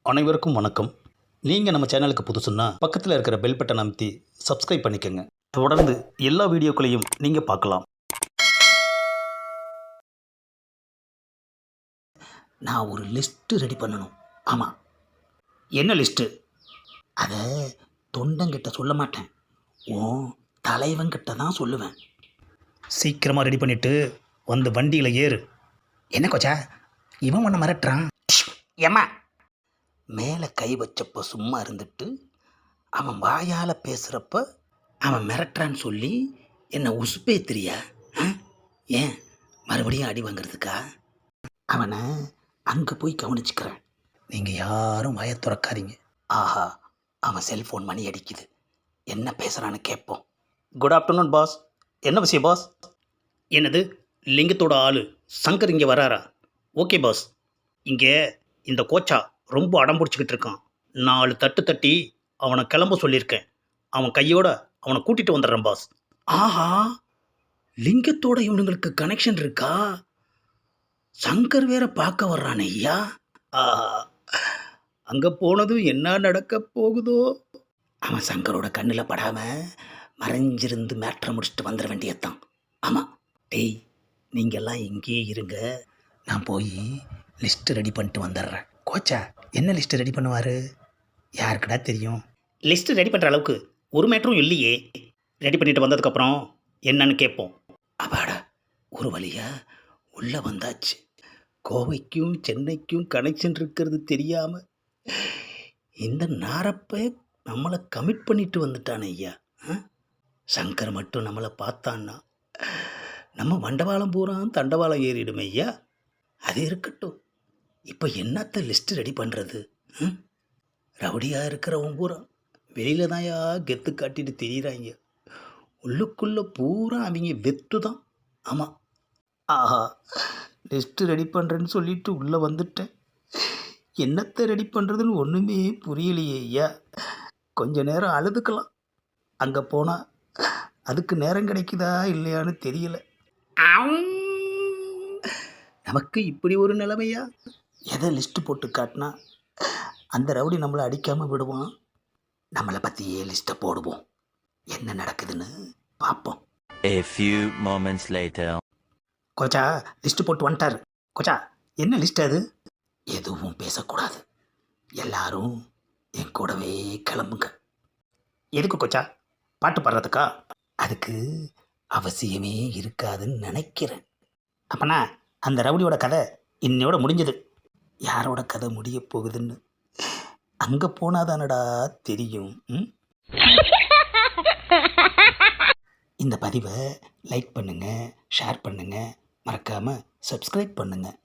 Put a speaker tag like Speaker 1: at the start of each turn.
Speaker 1: அனைவருக்கும் வணக்கம். நீங்கள் நம்ம சேனலுக்கு புதுசுன்னா பக்கத்தில் இருக்கிற பெல் பட்டனை அமைத்தி சப்ஸ்கிரைப் பண்ணிக்கோங்க. தொடர்ந்து எல்லா வீடியோக்களையும் நீங்கள் பார்க்கலாம். நான் ஒரு லிஸ்ட்டு ரெடி பண்ணணும். ஆமாம். என்ன லிஸ்ட்டு? அதை தொண்டங்கிட்ட சொல்ல மாட்டேன், ஓ தலைவங்கிட்ட தான் சொல்லுவேன். சீக்கிரமாக ரெடி பண்ணிவிட்டு வந்து வண்டியில் ஏறு. என்ன கொச்சா, இவன் ஒன்று மிரட்டுறான். ஏம்மா, மேலே கை வச்சப்போ சும்மா இருந்துட்டு அவன் வாயால் பேசுகிறப்ப அவன் மிரட்டுறான்னு சொல்லி என்னை உசுப்பேத்திரியா? ஏன் மறுபடியும் அடி வாங்கிறதுக்கா? அவனை அங்கே போய் கவனிச்சுக்கிறேன். நீங்கள் யாரும் வாயை திறக்காதீங்க. ஆஹா, அவன் செல்ஃபோன் மணி அடிக்குது. என்ன பேசுகிறான்னு கேட்போம். Good afternoon boss. என்ன விஷயம் பாஸ்? என்னது, லிங்கத்தோட ஆள் சங்கர் இங்கே வராரா? Okay boss. இங்கே இந்த கோச்சா ரொம்ப அடம் பிடிச்சிக்கிட்டு இருக்கான். 4 தட்டு தட்டி அவனை கிளம்ப சொல்லியிருக்கேன். அவன் கையோட அவனை கூட்டிகிட்டு வந்துடுறேன் பாஸ். ஆஹா, லிங்கத்தோட இவனுங்களுக்கு கனெக்ஷன் இருக்கா? சங்கர் வேற பார்க்க வர்றானே ஐயா. ஆஹா, அங்கே போனதும் என்ன நடக்க போகுதோ. அவன் சங்கரோட கண்ணில் படாமல் மறைஞ்சிருந்து மேட்ரை முடிச்சுட்டு வந்துட வேண்டியதான். ஆமாம். டேய், நீங்கள்லாம் இங்கேயே இருங்க, நான் போய் லிஸ்ட்டு ரெடி பண்ணிட்டு வந்துடுறேன். கோச்சா என்ன லிஸ்ட்டு ரெடி பண்ணுவார்? யாருக்குடா தெரியும்? லிஸ்ட்டு ரெடி பண்ணுற அளவுக்கு ஒரு மேட்டரும் இல்லையே. ரெடி பண்ணிட்டு வந்ததுக்கப்புறம் என்னன்னு கேட்போம். அப்பாடா, ஒரு வழியா உள்ளே வந்தாச்சு. கோவைக்கும் சென்னைக்கும் கனெக்ஷன் இருக்கிறது தெரியாமல் இந்த நாரப்பை நம்மளை கமிட் பண்ணிட்டு வந்துட்டானே ஐயா. சங்கர் மட்டும் நம்மளை பார்த்தான்னா நம்ம மண்டபாலம் பூரா தண்டவாளம் ஏறிடுமே ஐயா. அது இருக்கட்டும், இப்போ என்னத்த லிஸ்ட்டு ரெடி பண்ணுறது? ரவுடியாக இருக்கிறவன் பூரா வெளியில் தான் கெத்து காட்டிட்டு தெரியுறாங்க. உள்ளுக்குள்ளே பூரா அவங்க வெத்து தான். ஆமாம். ஆஹா, லிஸ்ட்டு ரெடி பண்ணுறேன்னு சொல்லிட்டு உள்ளே வந்துட்டேன். என்னத்தை ரெடி பண்ணுறதுன்னு ஒன்றுமே புரியலையே ஐயா. கொஞ்ச நேரம் அழுதுக்கலாம். அங்கே போனால் அதுக்கு நேரம் கிடைக்குதா இல்லையான்னு தெரியல. நமக்கு இப்படி ஒரு நிலைமையா? எதை லிஸ்ட்டு போட்டு காட்டினா அந்த ரவுடி நம்மளை அடிக்காமல் விடுவான். நம்மளை பற்றியே லிஸ்ட்டை போடுவோம், என்ன நடக்குதுன்னு பார்ப்போம்.
Speaker 2: A few moments later.
Speaker 1: கோச்சா லிஸ்ட்டு போட்டு வந்துட்டார். கோச்சா, என்ன லிஸ்ட் அது? எதுவும் பேசக்கூடாது, எல்லாரும் என் கூடவே கிளம்புங்க. எதுக்கு கோச்சா? பாட்டு பாடுறதுக்கா? அதுக்கு அவசியமே இருக்காதுன்னு நினைக்கிறேன். அப்பனா அந்த ரவுடியோட கதை இன்னையோட முடிஞ்சது. யாரோட கதை முடிய போகுதுன்னு அங்கே போனாதானடா தெரியும். இந்த பதிவை லைக் பண்ணுங்கள், ஷேர் பண்ணுங்கள், மறக்காமல் சப்ஸ்கிரைப் பண்ணுங்கள்.